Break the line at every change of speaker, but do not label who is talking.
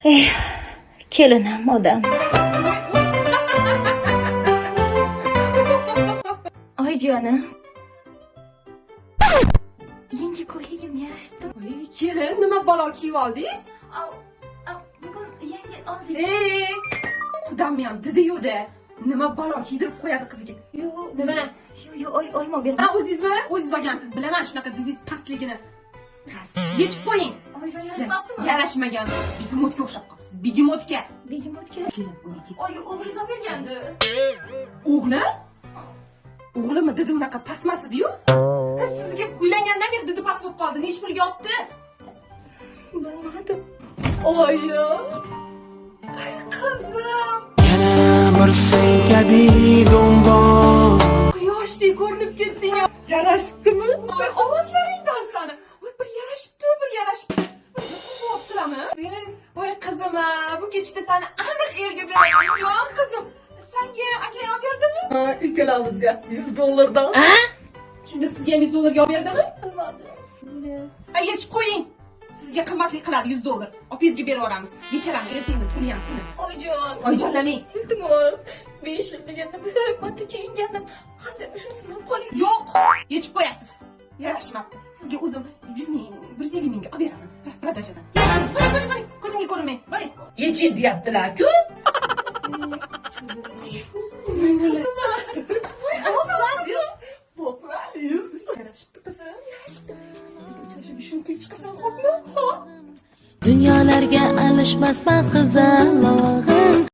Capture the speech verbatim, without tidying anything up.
Eh, kelinim odam. Oyijonim. Yangi ko'yligim yarashibdi.
Voy, kelin, nima balo kiyib oldingiz?
Au, au, bugun yangi oldik.
Ey, qudamni ham didi-yu-da. Nima balo kiydirib qo'yadi qiziga.
Yo,
Nima?
Yo, yo, oy, oyma ber.
Ha, o'zingizmi? O'zingiz olgansiz. Bilaman shunaqa didingiz pastligini. Past. Yechib qo'ying.
Oyijon yarashmabdimi?
Yarashmagan. Begimotga o'xshab qolibsiz. Begimotga.
Begimotga.
Kelin, o'yga ket.
Oy, o'g'lingiz olib bergandi.
O'g'li? O'g'limi didi unaqa pasmas edi-yu? Ha, sizga uylangandan beri didi past bo'lib qoldi. Necha pulga olibdi?
Bilmadim.
Oyi. Ay, qizim.
bir senga bidonbon
Quyoshdek ko'rinib ketding. Yarashibdimi? Voy, ovozlaringdan sani. Voy, bir yarashibdi, bir yarashibdi. Bo'psizlarmi? Voy, qizim, bu ketishda seni aniq erga beraman, jon qizim. Senga akang olib berdimi? Ha, ikkalamizga yuz dollardan.
A?
Shunda sizga ham yuz dollarga olib berdimi?
Bilmadim.
Ay, yechib qo'ying. Sizga qimmatli qiladi yuz dollar. Opangizga berib yuboramiz. Becharam ertangi tuni ham tuni.
Oyijon.
Oyijonlamang.
Iltimos. besh yil deganda bir marta kiyingandim. Hozir shunisidan qoling.
Yo'q, yechib qo'yasiz. Yarashmabdi. Sizga o'zim yuz ming, bir yuz ellik mingga olib beraman. Rasprodajadan. Boring, boring, boring. Ko'zimga ko'rinmang. Boring.
Yechin deyaptilar-ku.
Yarashibdi qizim, yarashibdi. Uchrashib shuni kelib chiqasan, xo'pmi? Xo'p.
Dunyolarga alishmasman qizalog'im